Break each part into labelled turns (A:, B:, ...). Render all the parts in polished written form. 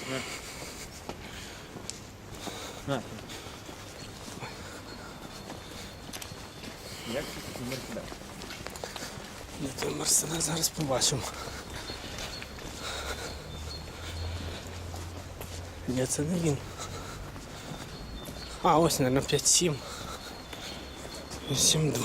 A: Як це такий Мерседес?
B: Де той Мерседес, зараз побачимо. Ні, це не він. А, ось, мабуть, 5-7. 7-2.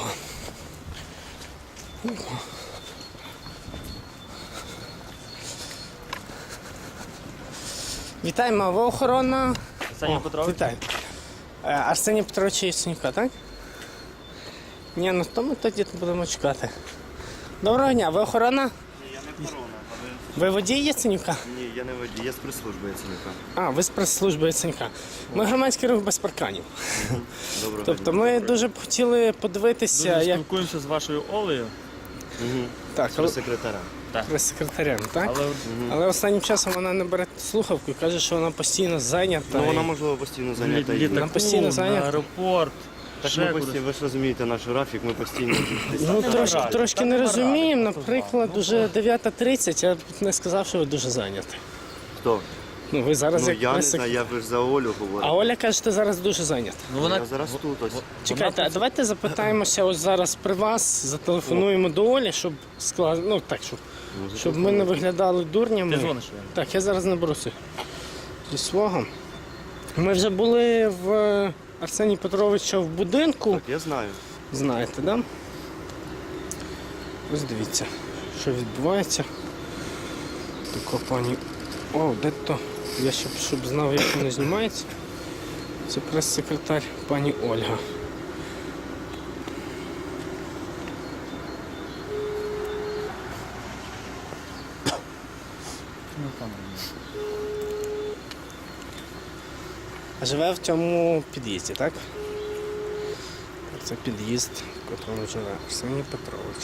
B: Вітаємо, а ви охорона?
A: Арсеній Петрович?
B: Вітаю. Арсенія Петровича Яценюка, так? Ні, ну то ми тоді будемо чекати. Доброго дня, ви охорона?
C: Ні, я не охорона,
B: Ви водій Яценюка?
C: Ні, я не водій, я з прес-служби Яценюка.
B: А, ви з прес-служби Яценюка. Ми громадський рух без парканів.
C: Доброго
B: Тобто
C: дня.
B: ми дуже б хотіли подивитися,
A: Дуже
B: як
A: спілкуємося з вашою Олею,
B: так,
C: Прес-секретаря.
B: прес-секретарем, так?
A: але
B: Але останнім часом вона не бере слухавку і каже, що вона постійно зайнята.
C: Ну, вона,
B: і-
C: можливо, постійно зайнята. і-
B: Вона постійно
A: літаку,
B: зайнята.
A: на аеропорт.
C: Так
A: ще
C: ми
A: кудись.
C: постійно, ви ж розумієте наш графік, ми постійно десь.
B: Ну,
A: Та
B: трошки,
A: нема
B: трошки
A: ради,
B: не
A: та нема
B: розуміємо.
A: ради,
B: Наприклад,
A: ну,
B: уже 9:30, я б не сказав, що ви дуже зайняті.
C: Хто?
B: Ну, ви зараз
C: Ну,
B: як
C: я не
B: прес-сек-
C: знаю, я ж за Олю говорю.
B: А Оля каже, що зараз дуже зайнята.
A: Ну, вона
C: Я зараз тут ось.
B: Чекайте, а давайте запитаємося ось зараз при вас, зателефонуємо до Олі, щоб ну так, щоб ми не виглядали дурнями.
A: Ти дзвониш йому?
B: Так, я зараз наберуся зі свого. Ми вже були в Арсенія Петровича в будинку.
C: Так, я знаю.
B: Знаєте, да? Ось дивіться, що відбувається. Така пані. О, де то? Я ще б, щоб знав, як воно знімається. Це прес-секретар пані Ольга.
A: Ну, там.
B: А живе в цьому під'їзді, так? Це під'їзд, в якому живе Арсеній Петрович.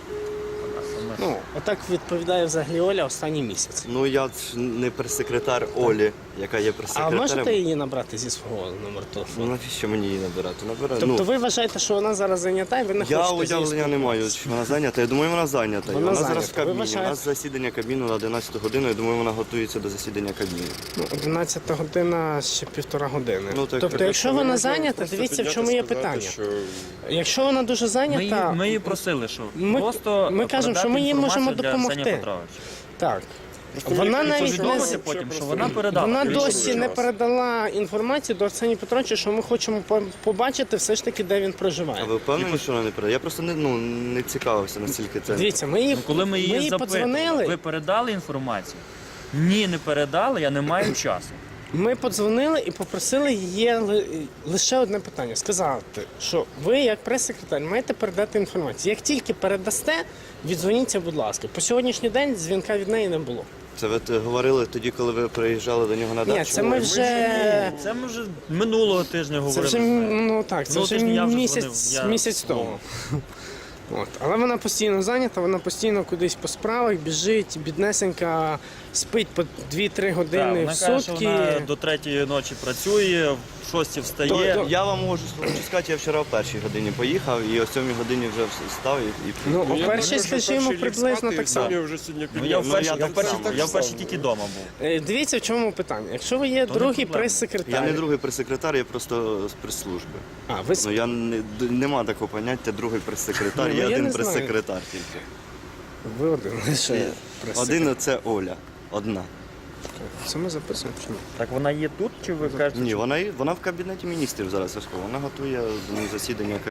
B: Ну, отак відповідає взагалі Оля останній місяць.
C: Ну, я ж не прес-секретар Олі, яка є
B: А
C: прес-секретарем.
B: можете її набрати зі свого номеру телефону?
C: Ну, навіщо мені її набирати? Набираю.
B: Тобто ви вважаєте, що вона зараз зайнята і ви не
C: Я
B: хочете з нею
C: уявлення не маю,
B: спілкуватися?
C: чи вона зайнята. Я думаю, вона зайнята.
B: Вона
C: Вона зараз в
B: зайнята. Ви
C: кабіні. У
B: вважаєте?
C: нас засідання кабіну на 11 годину. Я думаю, вона готується до засідання кабіну.
B: Ну, 11 година, ще 1,5 години.
C: Ну, так,
B: Тобто,
C: так,
B: якщо вона зайнята, дивіться, в чому є питання. Якщо вона дуже зайнята,
A: Ми її просили, що
B: Ми-
A: просто
B: ми кажемо, що ми їй
A: передати
B: можемо
A: інформацію для Арсенія
B: допомогти.
A: Петровича.
B: так. Вона навіть не
A: Повідомити потім, що вона передала.
B: вона
A: Більше
B: досі не
A: часу.
B: передала інформацію до Арсенія Петровича, що ми хочемо побачити все ж таки, де він
C: А
B: проживає.
C: ви впевнені, що вона не передає? Я просто не цікавився, наскільки це.
B: Дивіться, ми її,
A: Ну, коли ми її запитували,
B: подзвонили,
A: ви передали інформацію? Ні, не передали, я не маю часу.
B: ми подзвонили і попросили її лише одне питання. Сказати, що ви, як прес-секретар, маєте передати інформацію. Як тільки передасте, віддзвоніться, будь ласка. По сьогоднішній день дзвінка від неї не було.
C: Це ви говорили тоді, коли ви приїжджали до нього на дачу?
B: Ні, це ми вже...
A: Це ми вже минулого тижня
B: Це
A: говорили.
B: вже,
A: з нею.
B: ну так, це
A: Ну,
B: вже
A: тиждень я вже
B: місяць,
A: дзвонив,
B: місяць тому. От. Але вона постійно зайнята, вона постійно кудись по справах біжить, біднесенька, спить по 2-3
A: Так,
B: години
A: вона
B: в
A: каже, що
B: сутки.
A: вона до 3-ї ночі працює, в 6-й встає.
B: То-
C: Я вам можу сказати, я вчора в першій годині поїхав і о 7 годині вже встав і
B: Ну, о
D: Я
B: першій,
D: думаю, що
B: скажімо,
D: перший ліг
B: приблизно
D: спати,
B: так
D: і
B: само.
D: далі вже сьогодні
A: Ну, я
D: підняв.
A: я вперше тільки вдома був.
B: Дивіться, в чому питання. Якщо ви є
A: То не
B: другий
A: проблема.
B: прес-секретар,
C: Я не другий прес-секретар, я просто з прес-служби.
B: а ви
C: Ну я нема такого поняття другий прес-секретар,
B: Ну,
C: є
B: я
C: один
B: не знаю.
C: прес-секретар тільки.
B: ви один лише прес-секретар.
C: Один це Оля. Одна.
B: Це ми записуємо чи ні?
A: Так вона є тут, чи ви кажете?
C: Ні, вона в кабінеті міністрів зараз. Вона готує засідання